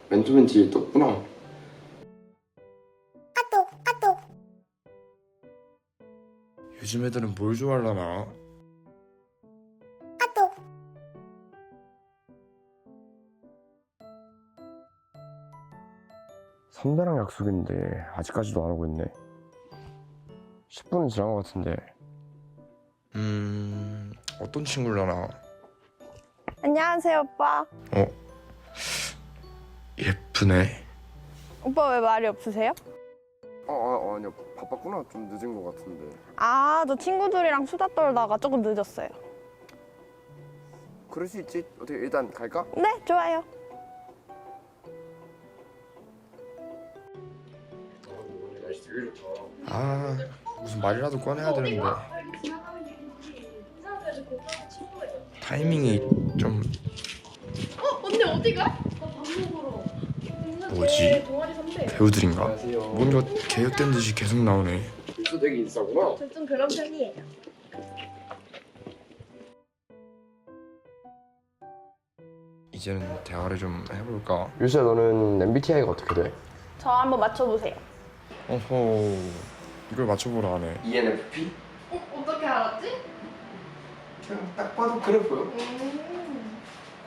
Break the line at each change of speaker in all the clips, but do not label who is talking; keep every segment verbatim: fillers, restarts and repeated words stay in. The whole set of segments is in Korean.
맨투맨 뒤에 떴구나. 요즘 애들은 뭘 좋아하려나? 선배랑 약속인데 아직까지도 안 오고 있네. 십 분은 지난 것 같은데. 음... 어떤 친구려나?
안녕하세요, 오빠.
어? 예쁘네.
오빠 왜 말이 없으세요?
어, 어 아니야. 바빴구나. 좀 늦은 것 같은데.
아, 저 친구들이랑 수다 떨다가 조금 늦었어요.
그럴 수 있지. 어떻게 일단 갈까?
네, 좋아요.
아, 무슨 말이라도 꺼내야 되는데 타이밍이 좀...
어? 언니 어디 가? 나밥 먹으러.
뭐지?
동아리 선배.
배우들인가? 뭔가 개혁된 듯이 계속 나오네. 또 되게 인싸구나.
저 좀 그런 편이에요.
이제는 대화를 좀 해볼까? 유수야, 너는 엠비티아이가 어떻게 돼?
저 한번 맞춰보세요.
어허, 이걸 맞춰보라 하네. 이엔에프피?
어? 어떻게 알았지?
그냥 딱 봐도 그래 보여.
음.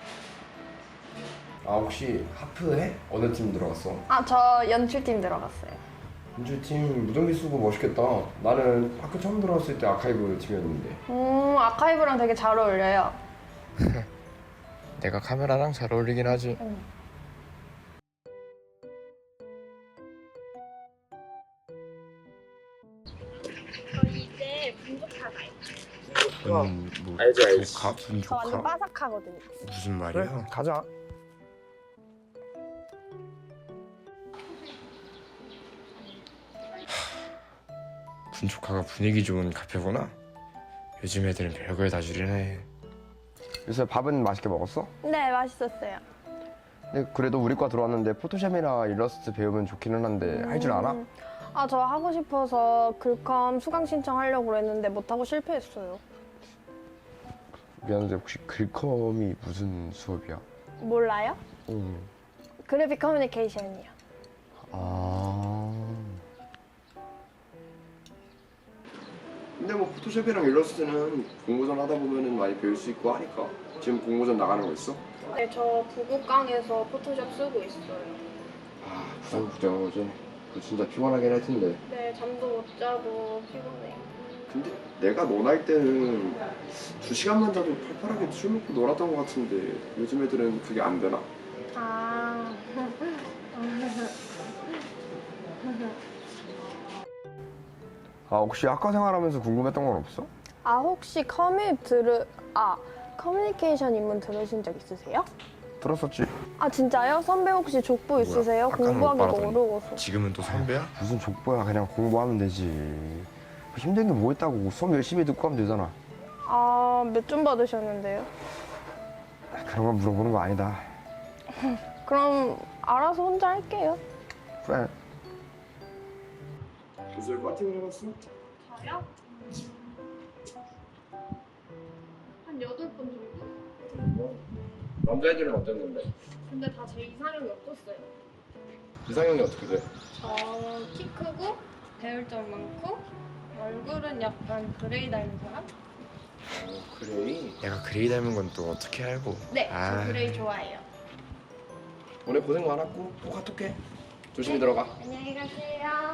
아, 혹시 하프해? 어느 팀 들어갔어?
아, 저 연출팀 들어갔어요.
연주팀 무전기 쓰고 멋있겠다. 나는 학교 처음 들어왔을 때 아카이브 팀이었는데.
음, 아카이브랑 되게 잘 어울려요.
내가 카메라랑 잘 어울리긴 하지.
응.
저희 이제 분조카가요.
음, 뭐
알지, 알지.
조카?
저
분조카?
완전 바삭하거든요.
무슨 말이야?
가자.
분조카가 분위기 좋은 카페구나. 요즘 애들은 별걸 다 줄이네. 요새 밥은 맛있게 먹었어?
네, 맛있었어요.
근데 그래도 우리 과 들어왔는데 포토샵이나 일러스트 배우면 좋기는 한데 할 줄 알아?
음, 아, 저 하고 싶어서 글컴 수강 신청하려고 했는데 못하고 실패했어요.
미안한데 혹시 글컴이 무슨 수업이야?
몰라요?
응.
그래픽 커뮤니케이션이요.
아. 근데 뭐 포토샵이랑 일러스트는 공모전 하다 보면은 많이 배울 수 있고 하니까. 지금 공모전 나가는 거 있어?
네, 저 부국강에서 포토샵 쓰고 있어요.
아, 부산 국제영어제. 그거 진짜 피곤하긴 할 텐데.
네, 잠도 못 자고 피곤해요.
근데 내가 너 나이 때는 두 시간만 자도 팔팔하게 술 먹고 놀았던 것 같은데 요즘 애들은 그게 안 되나?
아.
아, 혹시 학과 생활하면서 궁금했던 건 없어?
아, 혹시 커뮤 들으 아 커뮤니케이션 입문 들으신 적 있으세요?
들었었지.
아, 진짜요? 선배 혹시 족보 있으세요?
아까는
공부하기
오빠라더니.
어려워서.
지금은 또 선배야? 무슨 족보야. 그냥 공부하면 되지. 힘든 게 뭐 있다고. 수업 열심히 듣고 하면 되잖아.
아, 몇 점 받으셨는데요?
그런 건 물어보는 거 아니다.
그럼 알아서 혼자 할게요.
그래. 교수를 파팅을 해봤어?
저요? 한 여덟 번 정도?
남자애들은 어땠는데?
근데 다 제 이상형이 없었어요.
이상형이 어떻게 돼?
저 키 크고 배울 점 많고 얼굴은 약간 그레이 닮은 사람?
어, 그레이? 내가 그레이 닮은 건 또 어떻게 알고?
네,
아.
저 그레이 좋아해요.
오늘 고생 많았고 또 카톡해. 조심히 들어가.
안녕히 가세요.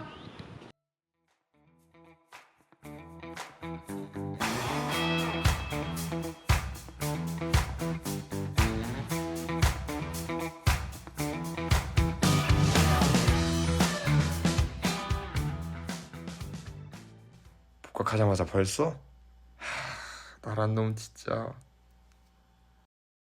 복학하자마자 벌써? 하, 나란 놈 진짜.